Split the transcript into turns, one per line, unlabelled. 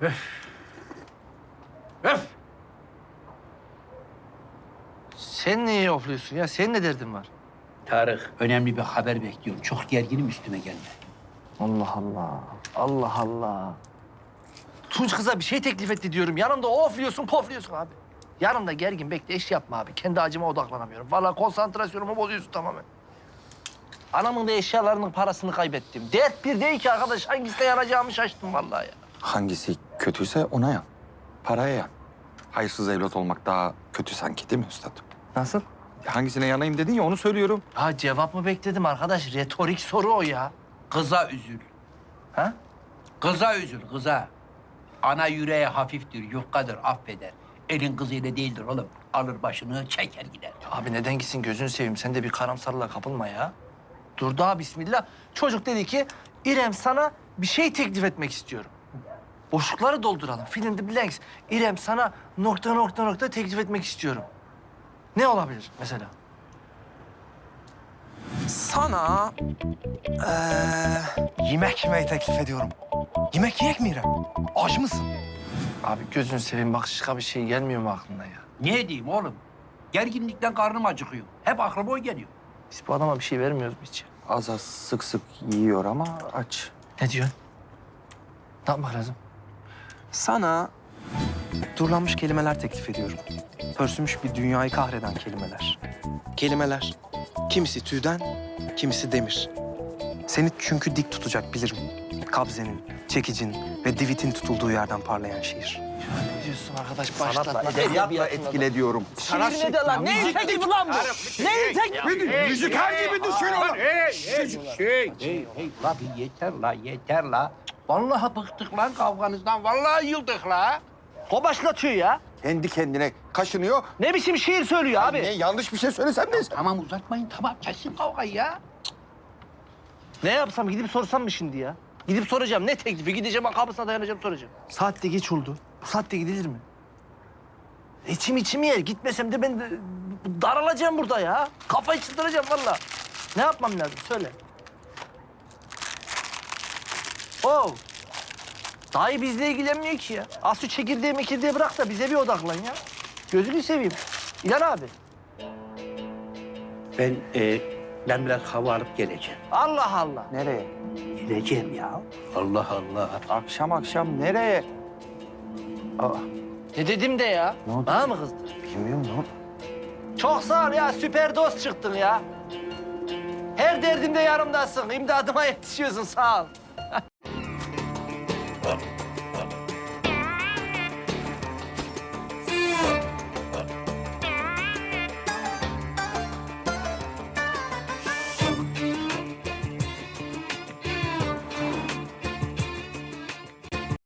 Öf!
Sen niye ofluyorsun ya? Senin ne derdin var?
Tarık, önemli bir haber bekliyorum. Çok gerginim, üstüme gelme.
Allah Allah. Allah Allah. Tunç kıza bir şey teklif etti diyorum. Yanımda ofluyorsun, pofluyorsun abi. Yanımda gergin bekle, iş yapma abi. Kendi acıma odaklanamıyorum. Vallahi konsantrasyonumu bozuyorsun tamamen. Anamın da eşyalarının parasını kaybettim. Dert bir değil ki arkadaş. Hangisine yanacağımı şaştım vallahi ya.
Hangisi kötüyse ona yan. Paraya yan. Hayırsız evlat olmak daha kötü sanki değil mi üstadım?
Nasıl?
Hangisine yanayım dedin ya onu söylüyorum.
Ha cevap mı bekledim arkadaş? Retorik soru o ya.
Kıza üzül.
Ha?
Kıza üzül, kıza. Ana yüreği hafiftir, yufkadır, affeder. Elin kızıyla değildir oğlum. Alır başını, çeker gider.
Abi neden gitsin gözünü seveyim. Sen de bir karamsarlığa kapılma ya. Dur daha bismillah. Çocuk dedi ki İrem sana bir şey teklif etmek istiyorum. Boşlukları dolduralım. Fill in the blanks. İrem sana nokta nokta nokta teklif etmek istiyorum. Ne olabilir mesela?
Sana yemek yemeyi teklif ediyorum. Yemek yiyek mi İrem? Aç mısın?
Abi gözünü seveyim başka bir şey gelmiyor mu aklına ya?
Ne diyeyim oğlum? Gerginlikten karnım acıkıyor. Hep aklıma o geliyor.
Biz bu adama bir şey vermiyoruz mu hiç?
Az az sık sık yiyor ama aç.
Ne diyorsun? Ne yapmak lazım?
Sana durlanmış kelimeler teklif ediyorum. Pörsümüş bir dünyayı kahreden kelimeler. Kelimeler. Kimisi tüyden, kimisi demir. Seni çünkü dik tutacak bilirim. Kabzenin, çekicin ve divitin tutulduğu yerden parlayan şiir.
Ne diyorsun arkadaş?
Sanatla,
Başlatma.
edebiyatla etkile diyorum.
Şiir ne de lan? Neyin teklifi lan bu? Neyin teklifi?
Müzikal gibi düşün oğlum.
Hey, la bir yeter la, yeter la. Vallahi bıktık lan kavganızdan. Vallahi yıldık la.
O başlatıyor ya.
Kendi kendine kaşınıyor.
Ne biçim şiir söylüyor abi?
Ne yanlış bir şey söylesem neyse.
Tamam uzatmayın, tamam. Kesin kavgayı ya.
Ne yapsam gidip sorsam mı şimdi ya? Gidip soracağım ne teklifi? Gideceğim kapısına dayanacağım soracağım. Saat de geç oldu. Bu saatte gidilir mi? İçim yer. Gitmesem de ben de daralacağım burada ya. Kafayı çıldıracağım vallahi. Ne yapmam lazım söyle. Oh. Dayı bizle ilgilenmiyor ki ya. Az şu çekirdeği mekirdeği bırak da bize bir odaklan ya. Gözünü seveyim. İlhan abi.
Ben biraz hava alıp geleceğim.
Allah Allah.
Nereye?
Geleceğim ya. Allah Allah.
Akşam akşam nereye? Aa,
Ne dedim de ya?
Ne oldu?
Bana mı kızdın?
bilmiyorum ne oldu?
Çok sağ ol ya, süper dost çıktın ya. Her derdimde yanımdasın, imdadıma yetişiyorsun, sağ ol.